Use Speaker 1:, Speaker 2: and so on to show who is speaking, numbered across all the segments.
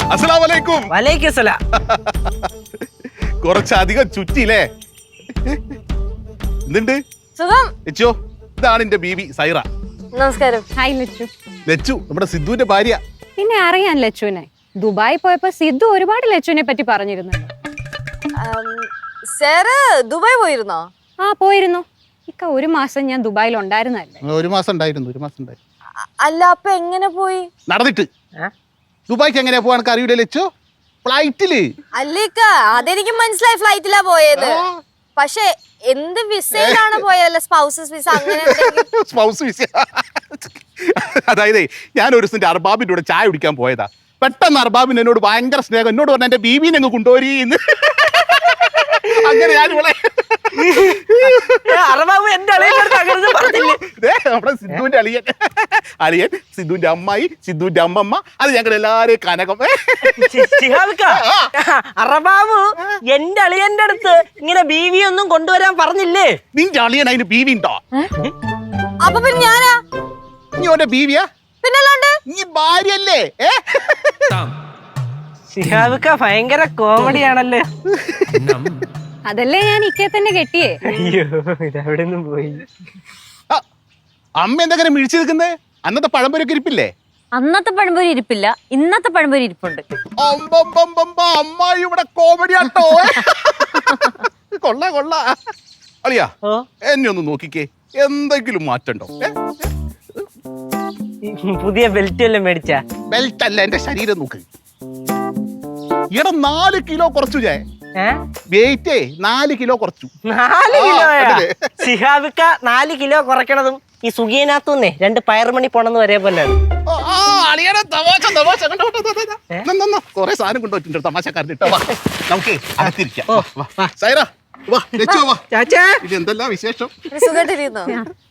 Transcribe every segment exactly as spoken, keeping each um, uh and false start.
Speaker 1: അസ്സലാമലൈക്കും.
Speaker 2: വലൈക്കും സലാം.
Speaker 1: കുറച്ചധികം ചുറ്റിയില്ലേ? എന്തുണ്ട്
Speaker 3: സുഖം?
Speaker 1: ലച്ചു, ഇതാണ് എന്റെ ബീബി സൈറ.
Speaker 3: നമസ്കാരം.
Speaker 4: ഹായ് ലച്ചു.
Speaker 1: ലച്ചു നമ്മുടെ സിദ്ധുവിന്റെ ഭാര്യ.
Speaker 4: പിന്നെ അറിയാൻ ലച്ചുവിനെ. ദുബായി പോയപ്പോ സിദ്ധു ഒരുപാട് ലച്ചുവിനെ പറ്റി പറഞ്ഞിരുന്നുണ്ട്.
Speaker 3: സാറ് ദുബായ് പോയിരുന്നോ?
Speaker 4: ആ പോയിരുന്നു. ഇക്ക ഒരു മാസം ഞാൻ ദുബായിൽ ഉണ്ടായിരുന്നല്ലേ.
Speaker 1: ഒരു മാസം ഉണ്ടായിരുന്നു ഒരു മാസം ഉണ്ടായിരുന്നു.
Speaker 3: അല്ല, അപ്പൊ എങ്ങനെ പോയി?
Speaker 1: നടന്നിട്ട്. ദുബായിക്ക് എങ്ങനെയാ പോവാൻ അറിയൂലേ ലച്ചു? ഫ്ലൈറ്റില്.
Speaker 3: അല്ലേക്ക അതെനിക്ക് മനസ്സിലായി, ഫ്ലൈറ്റിലാ പോയത്. പക്ഷെ എന്ത് വിസയിലാണ് പോയതല്ല? സ്പൗസസ് വിസ അങ്ങനെ
Speaker 1: സ്പൗസ് വിസ. അതായത് ഞാൻ ഒരു ദിവസം അർബാബിന്റെ കൂടെ ചായ കുടിക്കാൻ പോയതാ. പെട്ടെന്ന് അർബാബിന് എന്നോട് ഭയങ്കര സ്നേഹം. എന്നോട് പറഞ്ഞ എന്റെ ബീബീനെ അങ്ങ് കൊണ്ടുപോരീന്ന്. അങ്ങനെ ഞാൻ ഇവിടെ നമ്മുടെ സിദ്ധുവിന്റെ അളിയൻ അളിയൻ സിദ്ധുവിന്റെ അമ്മായി, സിദ്ധുവിന്റെ അമ്മമ്മ, അത് ഞങ്ങൾ എല്ലാരെയും കനകം.
Speaker 2: അറബാബു എന്റെ അളിയന്റെ അടുത്ത് ഇങ്ങനെ ബീവി ഒന്നും കൊണ്ടുവരാൻ പറഞ്ഞില്ലേ?
Speaker 1: നിന്റെ അളിയൻ അതിന് ബീവി ഉണ്ടോ?
Speaker 3: അപ്പൊ പിന്നെ ഞാനാ?
Speaker 1: നീ ഓന്റെ ബീവിയാ?
Speaker 3: പിന്നല്ലാണ്ട്
Speaker 1: നീ ഭാര്യയല്ലേ?
Speaker 2: ശിഹാബിക്ക ഭയങ്കര കോമഡിയാണല്ലേ.
Speaker 4: അതല്ലേ ഞാൻ ഇക്കയെ തന്നെ കെട്ടിയേ.
Speaker 2: അയ്യോ, ഇതെവിടെ നിന്നും പോയി.
Speaker 1: അമ്മ എന്തെങ്കിലും മിഴിച്ചു നിൽക്കുന്നേ? അന്നത്തെ പഴംപൊരൊക്കെ ഇരിപ്പില്ലേ?
Speaker 3: അന്നത്തെ പഴംപൊരി ഇരിപ്പില്ല, ഇന്നത്തെ പഴംപൊരി ഇരിപ്പുണ്ട്.
Speaker 1: അമ്മായി ഇവിടെ കോമഡി ആട്ടോ. കൊള്ള കൊള്ള. അളിയാ എന്നെ ഒന്ന് നോക്കിക്കേ, എന്തെങ്കിലും മാറ്റണ്ടോ?
Speaker 2: പുതിയ ബെൽറ്റ് എല്ലാം മേടിച്ച?
Speaker 1: ബെൽറ്റ് അല്ല, എന്റെ ശരീരം നോക്ക്. ഇവിടെ നാല് കിലോ കുറച്ചു. ഞാൻ വെയിറ്റേ നാല് കിലോ കുറച്ചു.
Speaker 2: നാല് കിലോ? ശിഹാബിക്ക നാല് കിലോ കുറയ്ക്കണതും ഈ സുഖിയനകത്തുനിന്നേ രണ്ട് പയറുമണി പോണെന്ന് വരെ പോലെ.
Speaker 1: കൊറേ സാധനം കൊണ്ടുപോയിട്ടുണ്ട് തമാശക്കാരൻ. നമുക്ക് അകത്തിരിക്കാം. എന്തെല്ലാം വിശേഷം?
Speaker 3: സുഖമായിട്ടിരിക്കുന്നോ?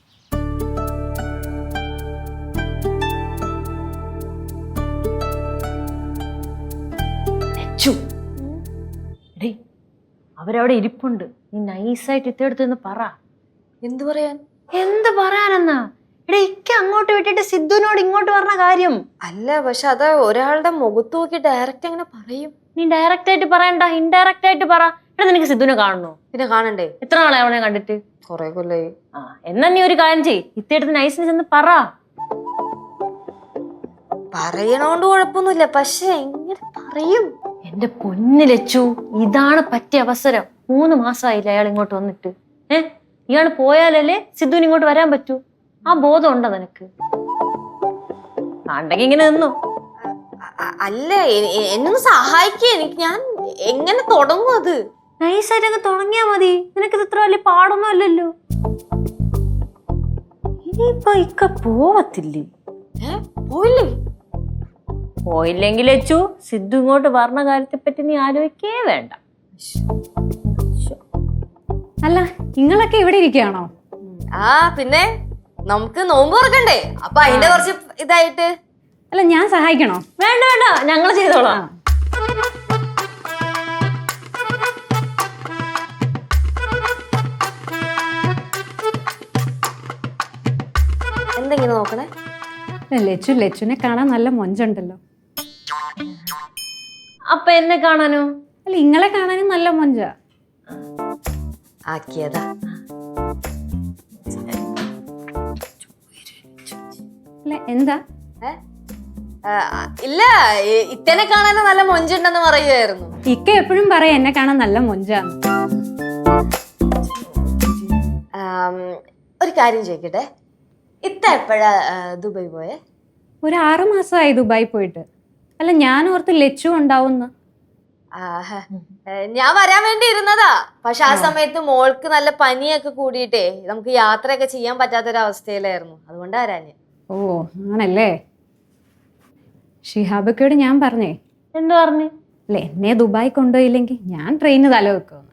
Speaker 5: അവരവിടെ ഇരിപ്പുണ്ട്. നീ നൈസായിട്ട് ഇത്തെടുത്ത് പറ.
Speaker 3: എന്ത് പറയാൻ?
Speaker 5: എന്ത് പറയാനെന്നാ? എടേ, ഇക്ക അങ്ങോട്ട് വിട്ടിട്ട് സിദ്ധുവിനോട് ഇങ്ങോട്ട് പറഞ്ഞ കാര്യം
Speaker 3: അല്ല. പക്ഷെ അത് ഒരാളുടെ മുഖത്ത് നോക്കി ഡയറക്റ്റ് എങ്ങനെ പറയും?
Speaker 5: നീ ഡയറക്റ്റ് ആയിട്ട് പറയണ്ട, ഇൻഡയറക്റ്റ് ആയിട്ട് പറ. എടാ, നിനക്ക് സിദ്ധുവിനെ കാണണോ?
Speaker 3: പിന്നെ കാണണ്ടേ?
Speaker 5: എത്ര നാളെ അവനെ കണ്ടിട്ട്?
Speaker 3: കൊറേ കൊല്ലായി.
Speaker 5: ആ, എന്നാ നീ ഒരു കാര്യം ചെയ്യ്, ഇത്തെടുത്ത് നൈസിന് ചെന്ന് പറ.
Speaker 3: പറയണോണ്ട് കുഴപ്പമൊന്നുമില്ല, പക്ഷെ എങ്ങനെ പറയും?
Speaker 5: എന്റെ പൊന്നു ലച്ചു, ഇതാണ് പറ്റിയ അവസരം. മൂന്ന് മാസമായില്ല അയാൾ ഇങ്ങോട്ട് വന്നിട്ട്. ഏ ഇയാള് പോയാലല്ലേ സിദ്ധുവിന് ഇങ്ങോട്ട് വരാൻ പറ്റൂ. ആ ബോധം ഉണ്ടോ നിനക്ക്? ആണ്ടെങ്കിൽ ഇങ്ങനെ നിന്നു.
Speaker 3: അല്ല, എന്നൊന്ന് സഹായിക്കേ. എനിക്ക് ഞാൻ എങ്ങനെ തുടങ്ങും? അത്
Speaker 5: നൈസായിട്ട് അങ്ങ് തുടങ്ങിയാ മതി. നിനക്കിത് ഇത്ര വലിയ പാടൊന്നും അല്ലല്ലോ. ഇനിയിപ്പൊ ഇക്ക പോവത്തില്ലേ?
Speaker 3: ഏ പോയില്ലേ?
Speaker 5: പോയില്ലെങ്കിൽ ലച്ചു, സിദ്ധു ഇങ്ങോട്ട് പറഞ്ഞ കാര്യത്തെ പറ്റി നീ ആലോചിക്കേ വേണ്ട.
Speaker 4: അല്ല, നിങ്ങളൊക്കെ ഇവിടെ ഇരിക്കുകയാണോ?
Speaker 3: ആ പിന്നെ നമുക്ക് നോമ്പ് തുറക്കണ്ടേ, അപ്പൊ അതിന്റെ കുറച്ച് ഇതായിട്ട്.
Speaker 4: അല്ല, ഞാൻ സഹായിക്കണോ?
Speaker 5: വേണ്ട വേണ്ട, ഞങ്ങൾ ചെയ്തോളാം.
Speaker 3: എന്തെങ്കിലും നോക്കണേ.
Speaker 4: ലച്ചു ലച്ചുനെ കാണാൻ നല്ല മൊഞ്ചുണ്ടല്ലോ.
Speaker 5: അപ്പൊ എന്നെ കാണാനോ?
Speaker 4: അല്ല, ഇങ്ങളെ കാണാനും നല്ല മൊഞ്ച.
Speaker 3: ആക്കിയതാ.
Speaker 4: അല്ല, എന്താ?
Speaker 3: ഇല്ല, ഇത്തനെ കാണാനും നല്ല മൊഞ്ചുണ്ടെന്ന് പറയുമായിരുന്നു.
Speaker 4: ഇക്ക എപ്പോഴും പറയാ എന്നെ കാണാൻ നല്ല മൊഞ്ചാന്ന്.
Speaker 3: ഒരു കാര്യം ചോദിക്കട്ടെ, ഇത്ത എപ്പോഴാ ദുബായ് പോയെ?
Speaker 4: ഒരു ആറു മാസമായി ദുബായ് പോയിട്ട്. അല്ല, ഞാൻ ഓർത്ത് ലച്ചു ഉണ്ടാവുന്ന.
Speaker 3: ഞാൻ വരാൻ വേണ്ടി ഇരുന്നതാ. പക്ഷെ ആ സമയത്ത് മോൾക്ക് നല്ല പനിയൊക്കെ കൂടിയിട്ടേ നമുക്ക് യാത്രയൊക്കെ ചെയ്യാൻ പറ്റാത്തൊരവസ്ഥയിലായിരുന്നു. അതുകൊണ്ടാ വരാഞ്ഞ്.
Speaker 4: ഓ ആണല്ലേ. ഷിഹാബക്കയോട് ഞാൻ പറഞ്ഞേ.
Speaker 5: എന്തു പറഞ്ഞു?
Speaker 4: അല്ല, എന്നെ ദുബായ് കൊണ്ടുപോയില്ലെങ്കിൽ ഞാൻ ട്രെയിന് തല വെക്കുമെന്ന്.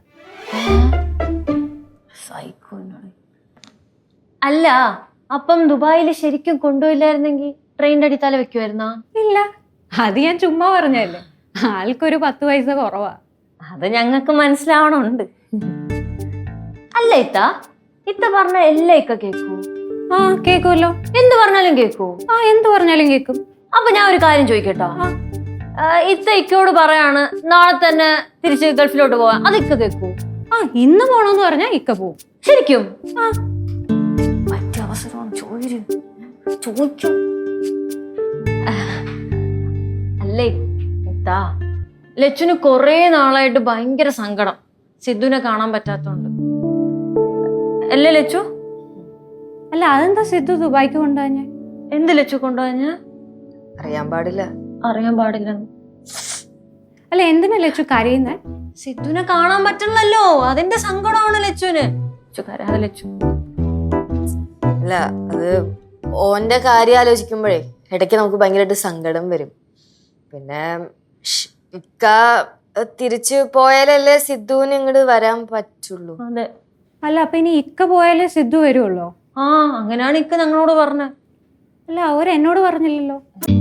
Speaker 5: അല്ല, അപ്പം ദുബായിൽ ശരിക്കും കൊണ്ടുപോയില്ലായിരുന്നെങ്കിൽ ട്രെയിനിന്റെ അടി തല വെക്കുമായിരുന്നാ?
Speaker 4: ഇല്ല, അത് ഞാൻ ചുമ്മാ പറഞ്ഞല്ലേ. ആൾക്കൊരു പത്ത് പൈസ കുറവാ.
Speaker 5: അത് ഞങ്ങൾക്ക് മനസ്സിലാവണുണ്ട്. അല്ല ഇത്ത, ഇത്ത പറഞ്ഞ എല്ലാ ഇക്ക കേക്കൂ?
Speaker 4: ആ കേക്കുമല്ലോ.
Speaker 5: എന്ത് പറഞ്ഞാലും കേക്കൂ?
Speaker 4: ആ എന്ത് പറഞ്ഞാലും കേക്കും.
Speaker 5: അപ്പൊ ഞാൻ ഒരു കാര്യം ചോദിക്കട്ടോ. ഇത്ത ഇക്കയോട് പറയാണ് നാളെ തന്നെ തിരിച്ച് ഗൾഫിലോട്ട് പോവാൻ, അത് ഇക്ക കേൾക്കൂ?
Speaker 4: ആ ഇന്ന് പോണോന്ന് പറഞ്ഞാ ഇക്ക പോവും.
Speaker 5: ശരിക്കും
Speaker 4: ആ
Speaker 5: പറ്റിയ അവസരമാണ്, ചോദിച്ചു ചോദിക്കും. അല്ലേ ഇത്താ, ലച്ചുന് കൊറേ നാളായിട്ട് ഭയങ്കര സങ്കടം സിദ്ധുവിനെ കാണാൻ പറ്റാത്തോണ്ട്. അല്ലേ ലച്ചു?
Speaker 4: അല്ല അതെന്താ സിദ്ധു ദുബായിക്ക് കൊണ്ടുപോഞ്ഞേ?
Speaker 5: എന്ത് ലച്ചു കൊണ്ടുപോഞ്ഞ?
Speaker 3: അറിയാൻ പാടില്ല.
Speaker 5: അറിയാൻ പാടില്ല.
Speaker 4: അല്ല എന്തിനാ ലച്ചു കരയുന്നേ?
Speaker 5: സിദ്ധുവിനെ കാണാൻ പറ്റണല്ലോ, അതിന്റെ സങ്കടമാണ് ലച്ചുവിന്. ലച്ചു കരയാതെ ലച്ചു.
Speaker 3: അല്ല അത് ഓന്റെ കാര്യം ആലോചിക്കുമ്പോഴേ ഇടയ്ക്ക് നമുക്ക് ഭയങ്കരമായിട്ട് സങ്കടം വരും. പിന്നെ ഷ് ഇക്ക തിരിച്ചു പോയാലല്ലേ സിദ്ധുവിന് ഇങ്ങോട്ട് വരാൻ പറ്റുള്ളൂ.
Speaker 5: അതെ.
Speaker 4: അല്ല അപ്പൊ ഇനി ഇക്ക പോയാലേ സിദ്ധു വരുള്ളോ?
Speaker 5: ആ അങ്ങനെയാണ് ഇക്ക ഞങ്ങളോട് പറഞ്ഞത്.
Speaker 4: അല്ല അവർ എന്നോട് പറഞ്ഞില്ലല്ലോ.